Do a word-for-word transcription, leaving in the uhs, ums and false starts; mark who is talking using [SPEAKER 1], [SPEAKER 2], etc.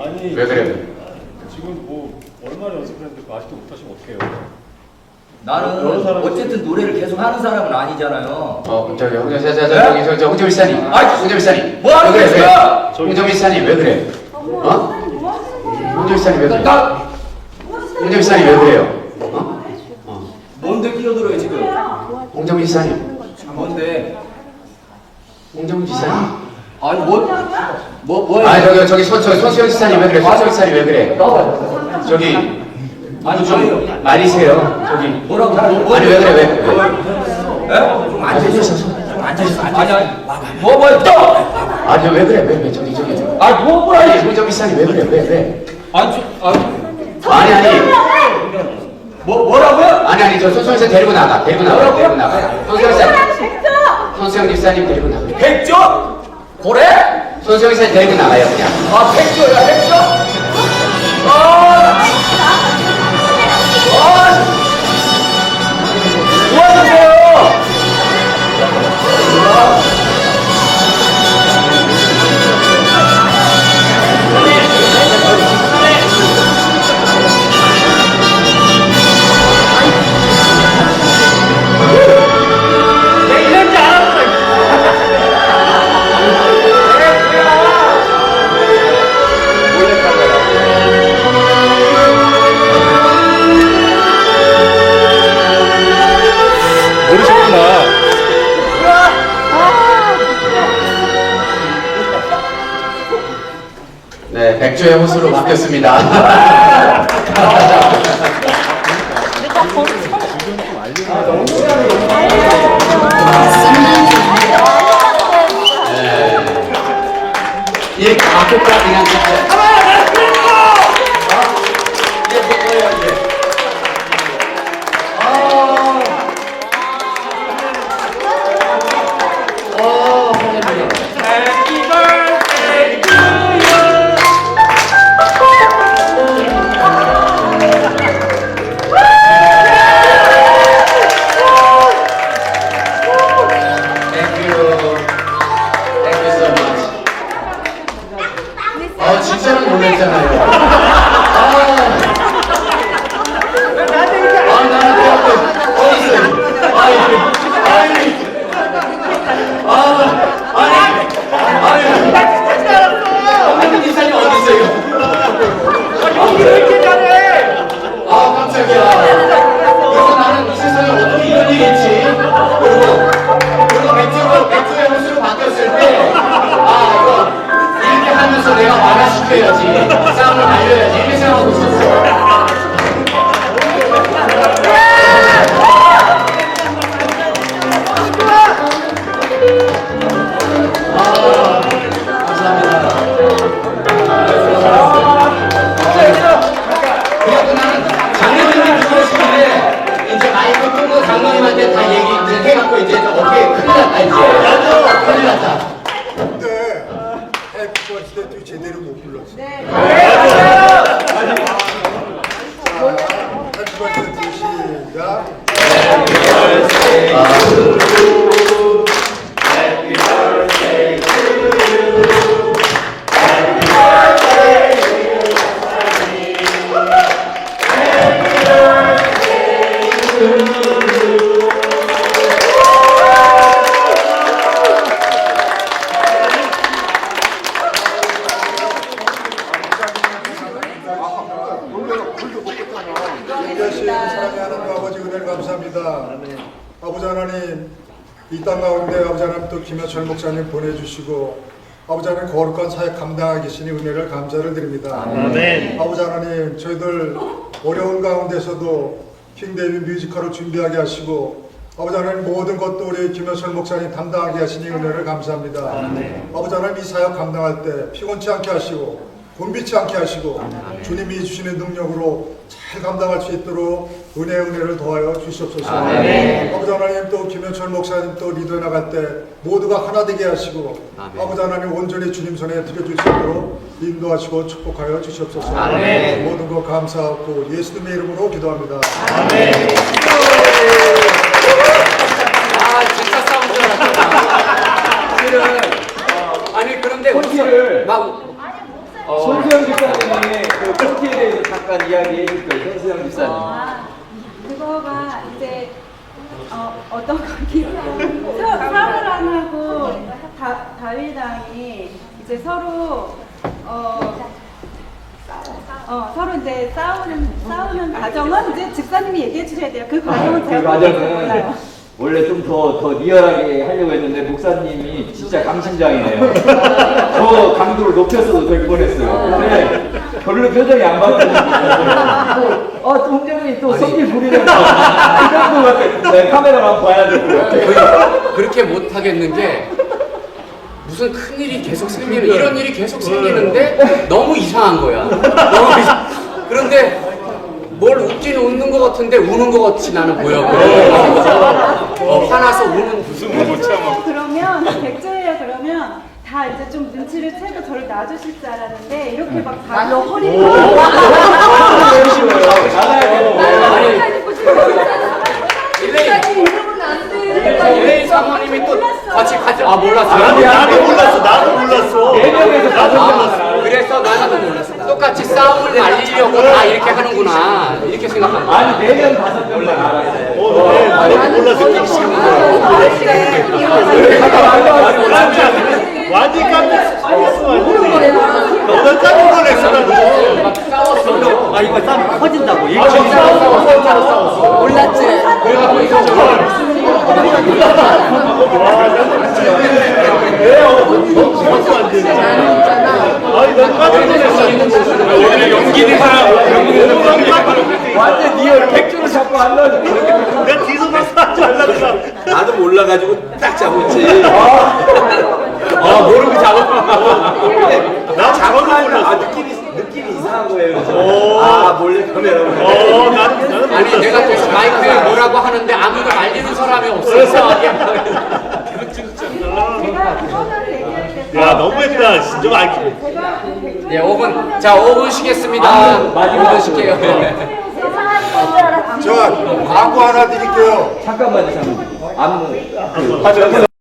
[SPEAKER 1] 아니
[SPEAKER 2] 왜 그래요?
[SPEAKER 1] 지금 뭐 얼마나 연습했는데 그거 아직도 못하시면 어떡해요?
[SPEAKER 3] 나는
[SPEAKER 1] 여러 사람이
[SPEAKER 3] 어쨌든 노래를 계속 하는 사람은 아니잖아요.
[SPEAKER 2] 어, 저기 홍정, 저, 저, 저, 저기, 저, 저, 홍정 일사님.
[SPEAKER 3] 아이,
[SPEAKER 2] 홍정 일사님.
[SPEAKER 3] 뭐 하는
[SPEAKER 2] 왜 그래,
[SPEAKER 3] 거야?
[SPEAKER 2] 왜? 홍정 일사님 왜 그래? 어? 홍정 일사님 왜 그래?
[SPEAKER 3] 나
[SPEAKER 2] 홍정 일사님 왜 그래요? 어? 어.
[SPEAKER 3] 뭔데 끼어들어요 지금?
[SPEAKER 2] 홍정 일사님.
[SPEAKER 3] 뭔데?
[SPEAKER 2] 홍정 일사님.
[SPEAKER 3] 아니 뭐? 뭐 뭐야?
[SPEAKER 2] 아, 저기, 저기, 손, 저기, 손수영 일사님 왜 그래? 손수영 일사님 왜 그래?
[SPEAKER 3] 나와요.
[SPEAKER 2] 저기,
[SPEAKER 3] 아니
[SPEAKER 2] 좀 말이세요. 저기.
[SPEAKER 3] 뭐라고? 뭐, 뭐,
[SPEAKER 2] 아니, 왜 그래, 왜? 왜?
[SPEAKER 3] 에? 좀 앉으셔.
[SPEAKER 2] 좀
[SPEAKER 3] 앉으셔. 아니 아니. 뭐 뭐야 또?
[SPEAKER 2] 아니, 왜 그래, 왜, 왜? 저기, 저기.
[SPEAKER 3] 아니 뭐 뭐야?
[SPEAKER 2] 아니, 홍정 일사님 왜 그래, 왜, 왜?
[SPEAKER 3] 아니 저 아니
[SPEAKER 2] 아니, 아니.
[SPEAKER 3] 뭐 뭐라고요?
[SPEAKER 2] 아니, 아니, 저 손수영 일사 데리고 나가. 데리고 나가.
[SPEAKER 3] 뭐라고요?
[SPEAKER 2] 데리고 나가. 손수영 일사. 손수영 일사님 데리고 나가.
[SPEAKER 3] 백조? 고래?
[SPEAKER 2] 손수영 일사님 데리고 나가요, 그냥.
[SPEAKER 3] 아 백조야 백조? 아. 아. 뭐 하는데요?
[SPEAKER 2] 네, 백조의 호수로 바뀌었습니다. 네. 이 가족과 그냥 진짜. 아, 진짜로 놀랬잖아요. 아, 아, 나는 내 앞에 어디 있어요? 아이, 아이, 아, 아니, 아니, 아니, 기사님 어디 있어요? 아, 깜짝이야. 그래서 나는 이 세상에 어떻게 이런 일이 있지? 그리고, 그리고 백조로, 백조의 호수로 바뀌었을 때, 아, 이거. 이렇게 하면서 내가 완화시켜야지 싸움을 날려야지 이렇게 생각하고 있었어. 아, 감사합니다. 그래갖고 나는 장로님이 들어오시길래 이제 마이크 끄고 장로님한테 다 얘기 이제 해갖고 이제 어떻게 큰일 났다 이제 큰일 났다.
[SPEAKER 4] 근데 해피버스 때도 제대로 못 불렀어. 네. 해피버스 때 시작. 귀하신 사랑의 하나님 아버지 은혜를 감사합니다. 아버지 하나님 이 땅 가운데 아버지 하나님 또 김여철 목사님 보내주시고 아버지 하나님 거룩한 사역 감당하게 계시니 은혜를 감사를 드립니다. 아멘. 아버지 하나님 저희들 어려운 가운데서도 킹데이비 뮤지컬을 준비하게 하시고 아버지 하나님 모든 것도 우리 김여철 목사님 담당하게 하시니 은혜를 감사합니다. 아멘. 아버지 하나님 이 사역 감당할 때 피곤치 않게 하시고 곤비치 않게 하시고 아멘. 주님이 주시는 능력으로 잘 감당할 수 있도록 은혜 은혜를 더하여 주시옵소서. 아멘. 아버지 하나님 또 김현철 목사님 또 리더에 나갈 때 모두가 하나 되게 하시고 아멘. 아버지 하나님 온전히 주님 손에 드려줄 수 있도록 인도하시고 축복하여 주시옵소서. 아멘. 모든 것 감사하고 예수님의 이름으로 기도합니다. 아멘.
[SPEAKER 3] 아 진짜 싸운 줄 알았잖아. 실은 어, 아니 그런데
[SPEAKER 5] 콘티를
[SPEAKER 3] 막 어, 손수영 집사님이 그 콘티에 대해서 잠깐 이야기해 줄 거예요. 손수영 집사님.
[SPEAKER 5] 아, 그거가 이제 어, 어떤 거기 사울왕하고 다 다윗왕이 이제 서로 어, 어 서로 이제 싸우는 싸우는 과정은 이제 집사님이 얘기해 주셔야 돼요. 그 과정은
[SPEAKER 3] 그
[SPEAKER 5] 제가
[SPEAKER 3] 과정은
[SPEAKER 5] 몰라요.
[SPEAKER 3] 원래 좀 더 더 리얼하게 하려고 했는데 목사님이 진짜 강심장이네요. 더 강도를 높였어도 될 뻔했어요. 근데 별로 표정이 안 바뀌었는데 어, 동정이 또 성질 부리는 거. 이 정도 같아. 네, 카메라만 봐야 될 것 같아요.
[SPEAKER 2] 그렇게 못 하겠는 게 무슨 큰 일이 계속 생기는 이런 일이 계속 생기는데 너무 이상한 거야. 너무 이상- 그런데 뭘 웃긴 웃는 것 같은데 우는 것 같이 나는 보여. 어, 화나서 우는 무슨
[SPEAKER 5] 백조예요 그러면 백조예요 그러면 다 이제 좀 눈치를 채고 저를 놔주실 줄 알았는데 이렇게 막 발로 허리를
[SPEAKER 2] 일레인 사모님이 또 같이 같이 아 몰랐어.
[SPEAKER 1] 나도 몰랐어. 나도 몰랐어.
[SPEAKER 3] 네 명에서 다섯
[SPEAKER 2] 아,
[SPEAKER 3] 명.
[SPEAKER 2] 그래서 나는 몰랐어. 똑같이 싸움을 날리려고 다 이렇게 하는구나 이렇게 생각한 거야.
[SPEAKER 3] 아니, 네 명, 다섯 명만 알았어요.
[SPEAKER 1] 어, 네, 나도 몰랐어. 완전 깜짝 놀랐어. 너는 깜짝 놀랐어. 나도.
[SPEAKER 2] 막 싸웠어.
[SPEAKER 1] 아, 이거 땀 커진다고.
[SPEAKER 2] 아, 진짜로 싸웠어. 진짜로 싸웠어. 몰랐지. 그래갖고 이거
[SPEAKER 1] 아니, 난 깜짝 놀랐어. 여기는 연기는 사람.
[SPEAKER 3] 완전 리얼 백조를 잡고 안 넣어줘.
[SPEAKER 1] 내 뒤에서 봤어. 잘났어.
[SPEAKER 3] 나도 몰라가지고 딱 잡았지. 아, 모르고 잡았구나.
[SPEAKER 1] 나 저도
[SPEAKER 3] 아,
[SPEAKER 1] 몰랐어.
[SPEAKER 3] 느낌이, 느낌이 이상한 거예요. 그래서.
[SPEAKER 1] 오.
[SPEAKER 3] 아, 몰래 카메라로.
[SPEAKER 1] 어, 나는, 나는
[SPEAKER 2] 아니 내가 계속 마이크에 뭐라고 하는데 아무도 알리는 사람이 없어서
[SPEAKER 5] 제가 그거를 얘기할 때
[SPEAKER 1] 야, 너무했다. 진짜 많이.
[SPEAKER 5] 제가 그 백조
[SPEAKER 2] 네, 오 분. 자, 오 분 쉬겠습니다.
[SPEAKER 3] 아,
[SPEAKER 2] 오
[SPEAKER 3] 마지막
[SPEAKER 2] 분 쉴게요.
[SPEAKER 4] 자, 광고 하나 드릴게요.
[SPEAKER 3] 잠깐만요, 잠깐만. 안무.